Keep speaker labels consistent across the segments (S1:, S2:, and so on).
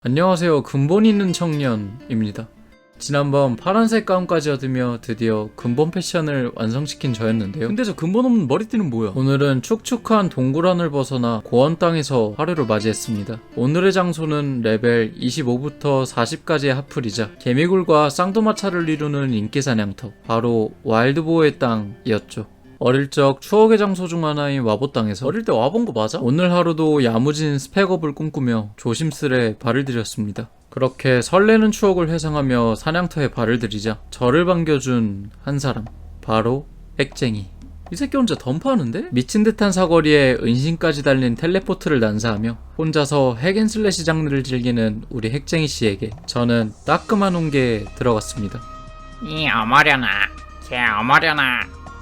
S1: 안녕하세요. 근본 있는 청년입니다. 지난번 파란색 가운까지 얻으며 드디어 근본 패션을 완성시킨 저였는데요. 근데 저 근본 없는 머리띠는 뭐야? 오늘은 축축한 동굴안을 벗어나 고원 땅에서 하루를 맞이했습니다. 오늘의 장소는 레벨 25부터 40까지의 하풀이자 개미굴과 쌍두마차를 이루는 인기 사냥터, 바로 와일드보어의 땅이었죠. 어릴 적 추억의 장소 중 하나인 와보 땅에서 어릴 때 와본 거 맞아? 오늘 하루도 야무진 스펙업을 꿈꾸며 조심스레 발을 들였습니다. 그렇게 설레는 추억을 회상하며 사냥터에 발을 들이자 저를 반겨준 한 사람, 바로 핵쟁이. 이 새끼 혼자 덤프하는데? 미친 듯한 사거리에 은신까지 달린 텔레포트를 난사하며 혼자서 핵앤슬래시 장르를 즐기는 우리 핵쟁이 씨에게 저는 따끔한 온기에 들어갔습니다.
S2: 이 어머려나, 개 어머려나.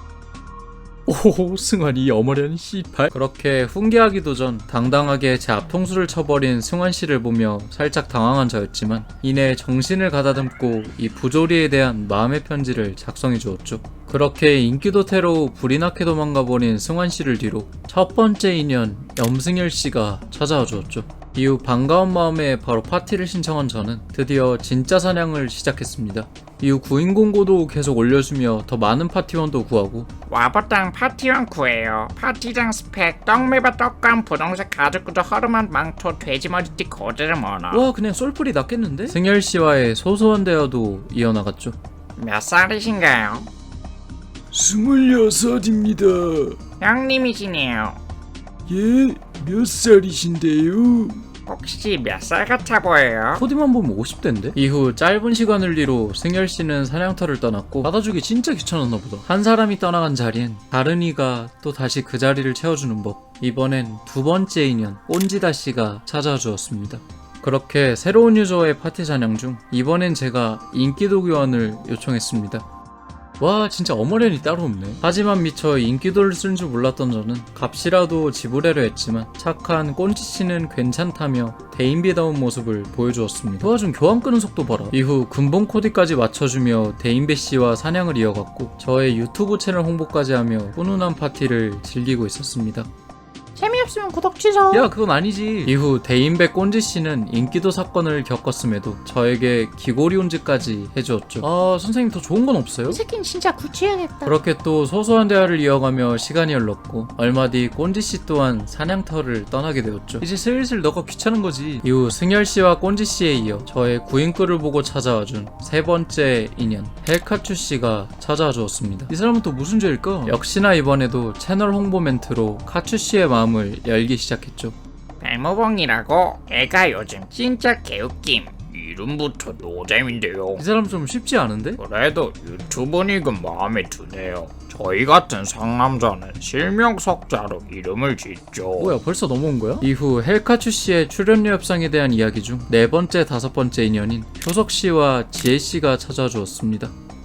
S1: 오, 승환이 어머련 씨발. 그렇게 훈계하기도 전 당당하게 제 앞통수를 쳐버린 승환씨를 보며 살짝 당황한 저였지만 이내 정신을 가다듬고 이 부조리에 대한 마음의 편지를 작성해 주었죠. 그렇게 인기도태로 불이 나게 도망가버린 승환씨를 뒤로 첫 번째 인연 염승열씨가 찾아와 주었죠. 이후 반가운 마음에 바로 파티를 신청한 저는 드디어 진짜 사냥을 시작했습니다. 이후 구인 공고도 계속 올려주며 더 많은 파티원도 구하고
S2: 와보땅 파티원 구해요. 파티장 스펙, 떡매바 떡감, 분홍색 가죽구두, 허름한 망토, 돼지머리띠 고드름 언어.
S1: 와, 그냥 솔플이 낫겠는데? 승열씨와의 소소한 대화도 이어나갔죠.
S2: 몇 살이신가요?
S3: 26입니다.
S2: 형님이시네요.
S3: 예, 몇 살이신데요?
S2: 혹시 몇 살 같아 보여요?
S1: 코디만 보면 50대인데? 이후 짧은 시간을 뒤로 승열씨는 사냥터를 떠났고 받아주기 진짜 귀찮았나 보다. 한 사람이 떠나간 자리엔 다른 이가 또 다시 그 자리를 채워주는 법. 이번엔 두 번째 인연 꼰지다씨가 찾아와 주었습니다. 그렇게 새로운 유저의 파티 사냥 중 이번엔 제가 인기도 교환을 요청했습니다. 와, 진짜 어머련이 따로 없네. 하지만 미처 인기도를 쓴 줄 몰랐던 저는 값이라도 지불하려 했지만 착한 꼰지씨는 괜찮다며 대인배다운 모습을 보여주었습니다. 와, 좀 교환 끄는 속도 봐라. 이후 근본 코디까지 맞춰주며 대인배씨와 사냥을 이어갔고 저의 유튜브 채널 홍보까지 하며 훈훈한 파티를 즐기고 있었습니다.
S2: 재미없으면 구독 취소.
S1: 야, 그건 아니지. 이후 대인배 꼰지씨는 인기도 사건을 겪었음에도 저에게 기고리 온즈까지 해주었죠. 아, 선생님 더 좋은 건 없어요?
S2: 이 새끼는 진짜 구치해야겠다.
S1: 그렇게 또 소소한 대화를 이어가며 시간이 흘렀고 얼마 뒤 꼰지씨 또한 사냥터를 떠나게 되었죠. 이제 슬슬 너가 귀찮은 거지. 이후 승열씨와 꼰지씨에 이어 저의 구인글을 보고 찾아와준 세 번째 인연 헬카츄씨가 찾아와 주었습니다. 이 사람은 또 무슨 죄일까? 역시나 이번에도 채널 홍보 멘트로 카츄씨의 마음을 열기 시작했죠.
S2: 배모봉이라고? 애가 요즘 진짜 개웃김. 이름부터 노잼인데요.
S1: 이 사람 좀 쉽지 않은데?
S2: 그래도 유튜브닉은 마음에 드네요. 저희 같은 상남자는 실명석자로 이름을 짓죠.
S1: 뭐야, 벌써 넘어온 거야? 이후 헬카츄씨의 출연료 협상에 대한 이야기 중 네 번째, 다섯 번째 인연인 효석씨와 지혜씨가 찾아와 주었습니다.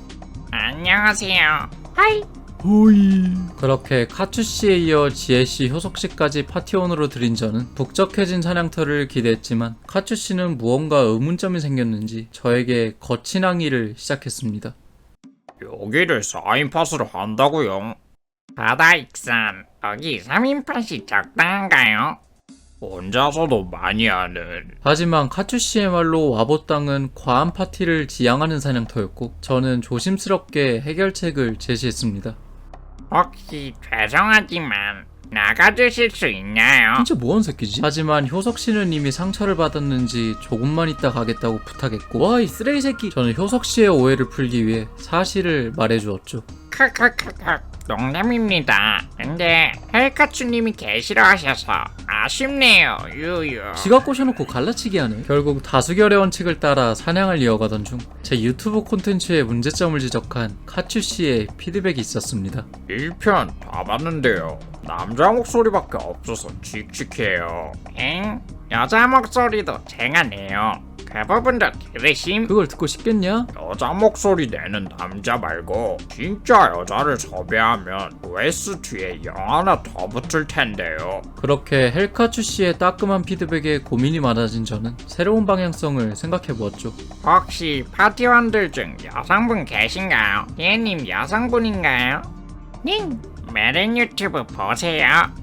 S2: 안녕하세요. 하이.
S3: 호이.
S1: 그렇게 카츄씨에 이어 지혜씨, 효석씨까지 파티원으로 들인 저는 북적해진 사냥터를 기대했지만 카츄씨는 무언가 의문점이 생겼는지 저에게 거친 항의를 시작했습니다.
S2: 여기를 4인팟으로 한다고요? 바다 익산, 여기 3인팟이 적당한가요? 혼자서도 많이 하는.
S1: 하지만 카츄씨의 말로 와보 땅은 과한 파티를 지향하는 사냥터였고 저는 조심스럽게 해결책을 제시했습니다.
S2: 혹시 죄송하지만 나가주실 수 있나요?
S1: 진짜 뭐한 새끼지? 하지만 효석씨는 이미 상처를 받았는지 조금만 있다 가겠다고 부탁했고 와, 이 쓰레기 새끼. 저는 효석씨의 오해를 풀기 위해 사실을 말해주었죠.
S2: 크크크크 농담입니다. 근데 헬카츄님이 개싫어하셔서 아쉽네요. 유유.
S1: 지가 꼬셔놓고 갈라치기 하네. 결국 다수결의 원칙을 따라 사냥을 이어가던 중 제 유튜브 콘텐츠의 문제점을 지적한 카츄씨의 피드백이 있었습니다.
S2: 1편 다 봤는데요. 남자 목소리밖에 없어서 칙칙해요. 엥? 여자 목소리도 제가 내요. 그 부분도 들으심?
S1: 그걸 듣고 싶겠냐?
S2: 여자 목소리 내는 남자 말고 진짜 여자를 섭외하면 OS 뒤에 영 하나 더 붙을 텐데요.
S1: 그렇게 헬카츄씨의 따끔한 피드백에 고민이 많아진 저는 새로운 방향성을 생각해보았죠.
S2: 혹시 파티원들 중 여성분 계신가요? 얘님 여성분인가요? 님, 메린 유튜브 보세요.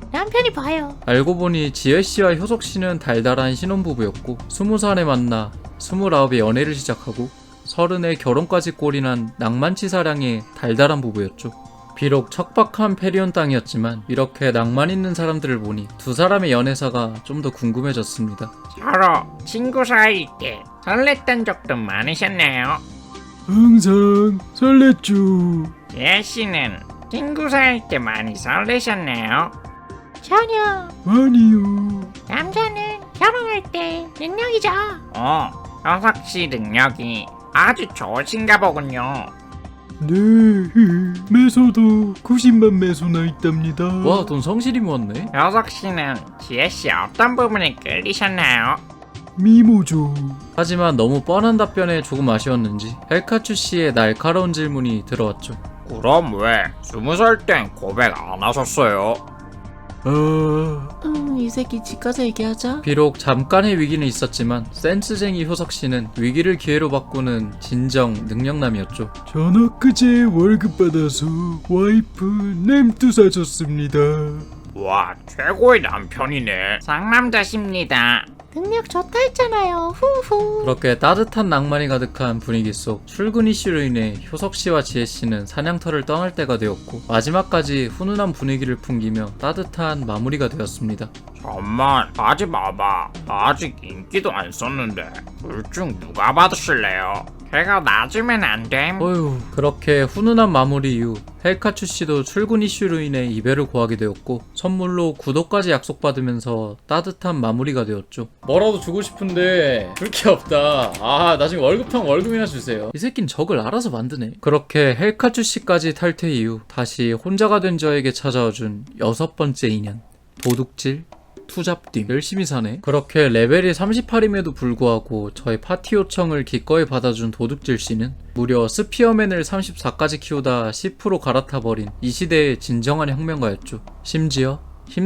S4: 남편이 봐요.
S1: 알고 보니 지혜씨와 효석씨는 달달한 신혼부부였고 20살에 만나 29에 연애를 시작하고 30에 결혼까지 꼴이난 낭만치사량의 달달한 부부였죠. 비록 척박한 페리온 땅이었지만 이렇게 낭만 있는 사람들을 보니 두 사람의 연애사가 좀 더 궁금해졌습니다.
S2: 서로 친구 사이일 때 설렜던 적도 많으셨나요?
S3: 항상 설렜죠.
S2: 예씨는 친구 사이일 때 많이 설레셨나요?
S4: 전혀.
S3: 아니요.
S4: 남자는 결혼할 때 능력이죠.
S2: 효석씨 능력이 아주 좋으신가 보군요.
S3: 네, 매소도 90만 매소나 있답니다.
S1: 와, 돈 성실히 모았네.
S2: 효석씨는 지혜씨 어떤 부분에 끌리셨나요?
S3: 미모죠.
S1: 하지만 너무 뻔한 답변에 조금 아쉬웠는지 헬카츄씨의 날카로운 질문이 들어왔죠.
S2: 그럼 왜 20살 땐 고백 안 하셨어요?
S3: 아,
S4: 이 새끼 집 가서 얘기하자.
S1: 비록 잠깐의 위기는 있었지만 센스쟁이 효석씨는 위기를 기회로 바꾸는 진정 능력남이었죠.
S3: 전 엊그제 월급 받아서 와이프 냄두 사줬습니다.
S2: 와, 최고의 남편이네. 상남자십니다.
S4: 능력 좋다 했잖아요. 후후.
S1: 그렇게 따뜻한 낭만이 가득한 분위기 속 출근 이슈로 인해 효석씨와 지혜씨는 사냥터를 떠날 때가 되었고 마지막까지 훈훈한 분위기를 풍기며 따뜻한 마무리가 되었습니다.
S2: 잠만, 하지 마봐. 아직 인기도 안 썼는데 둘 중 누가 받으실래요? 걔가 낮으면 안 됨.
S1: 어휴, 그렇게 훈훈한 마무리 이후 헬카츄씨도 출근 이슈로 인해 이별을 고하게 되었고 선물로 구독까지 약속받으면서 따뜻한 마무리가 되었죠. 뭐라도 주고 싶은데 줄 게 없다. 아, 나중에 월급탕 월급이나 주세요. 이 새끼는 적을 알아서 만드네. 그렇게 헬카츄씨까지 탈퇴 이후 다시 혼자가 된 저에게 찾아와준 6번째 인연, 도둑질 투잡팀. 열심히 사네. 그렇게 레벨이 38임에도 불구하고 저의 파티 요청을 기꺼이 받아준 도둑질씨는 무려 스피어맨을 34까지 키우다 10% 갈아타버린 이 시대의 진정한 혁명가였죠. 심지어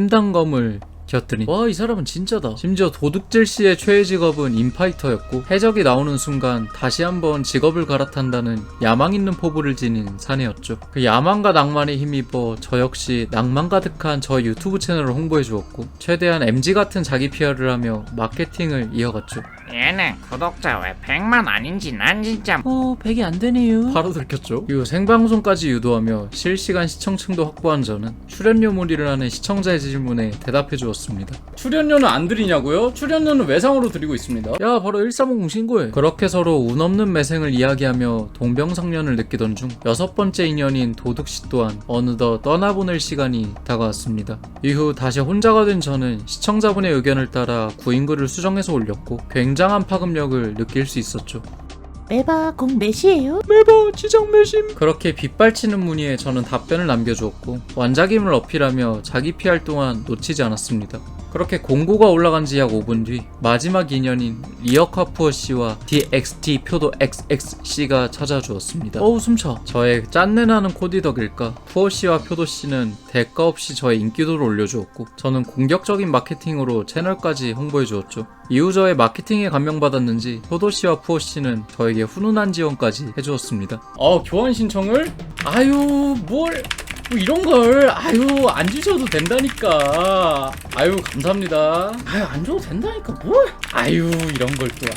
S1: 힘단검을 곁들인, 와, 이 사람은 진짜다. 심지어 도둑질씨의 최애 직업은 인파이터였고 해적이 나오는 순간 다시 한번 직업을 갈아탄다는 야망 있는 포부를 지닌 사내였죠. 그 야망과 낭만에 힘입어 저 역시 낭만 가득한 저 유튜브 채널을 홍보해 주었고 최대한 MG 같은 자기 PR을 하며 마케팅을 이어갔죠.
S2: 얘는 구독자 왜 100만 아닌지 난 진짜
S4: 100이 안 되네요.
S1: 바로 들켰죠. 이후 생방송까지 유도하며 실시간 시청층도 확보한 저는 출연료무리를 하는 시청자의 질문에 대답해 주었습니다. 출연료는 안 드리냐고요? 출연료는 외상으로 드리고 있습니다. 야, 바로 1350 신고해. 그렇게 서로 운 없는 매생을 이야기하며 동병상련을 느끼던 중 6번째 인연인 도둑씨 또한 어느덧 떠나보낼 시간이 다가왔습니다. 이후 다시 혼자가 된 저는 시청자분의 의견을 따라 구인글을 수정해서 올렸고 굉장한 파급력을 느낄 수 있었죠.
S4: 매바 공 몇이에요?
S3: 매번 지정 매심.
S1: 그렇게 빗발치는 문의에 저는 답변을 남겨주었고 완작임을 어필하며 자기 PR 또한 놓치지 않았습니다. 그렇게 공고가 올라간 지 약 5분 뒤 마지막 인연인 리어카푸어 씨와 DXT 표도 XX 씨가 찾아주었습니다. 어우, 숨차. 저의 짠내나는 코디 덕일까 푸어 씨와 표도 씨는 대가 없이 저의 인기도를 올려주었고 저는 공격적인 마케팅으로 채널까지 홍보해주었죠. 이후 저의 마케팅에 감명받았는지 효도 씨와 푸어 씨는 저에게 훈훈한 지원까지 해주었습니다. 교환 신청을? 아유, 뭐 이런 걸 안 주셔도 된다니까. 감사합니다. 안 줘도 된다니까 뭘? 이런 걸 또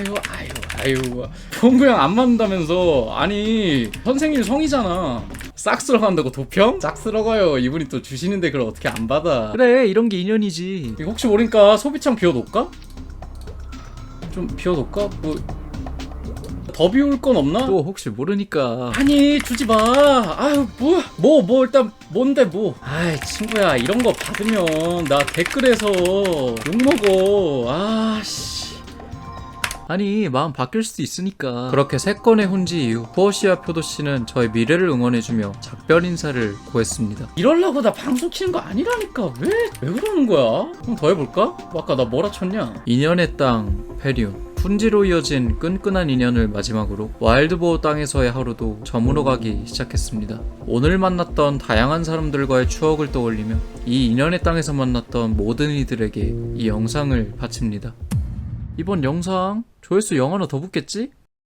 S1: 봉구형 안 맞는다면서. 아니, 선생님 성이잖아. 싹 쓸어간다고 도평? 싹 쓸어가요. 이분이 또 주시는데 그걸 어떻게 안 받아. 그래, 이런 게 인연이지. 이거 혹시 모르니까 소비창 비워놓을까? 좀 비워놓을까? 더 비울 건 없나? 또 혹시 모르니까. 아니, 주지 마. 뭐 일단 뭔데 뭐. 친구야, 이런 거 받으면 나 댓글에서 욕먹어. 아니, 마음 바뀔 수도 있으니까. 그렇게 3건의 혼지 이후 푸어씨와 표도씨는 저의 미래를 응원해주며 작별 인사를 고했습니다. 이럴라고 나 방송 키는 거 아니라니까. 왜 그러는 거야? 그럼 더 해볼까? 아까 나 뭐라 쳤냐? 인연의 땅 페리온, 훈지로 이어진 끈끈한 인연을 마지막으로 와일드보어 땅에서의 하루도 저물어가기 시작했습니다. 오늘 만났던 다양한 사람들과의 추억을 떠올리며 이 인연의 땅에서 만났던 모든 이들에게 이 영상을 바칩니다. 이번 영상 조회수 0 하나 더 붙겠지?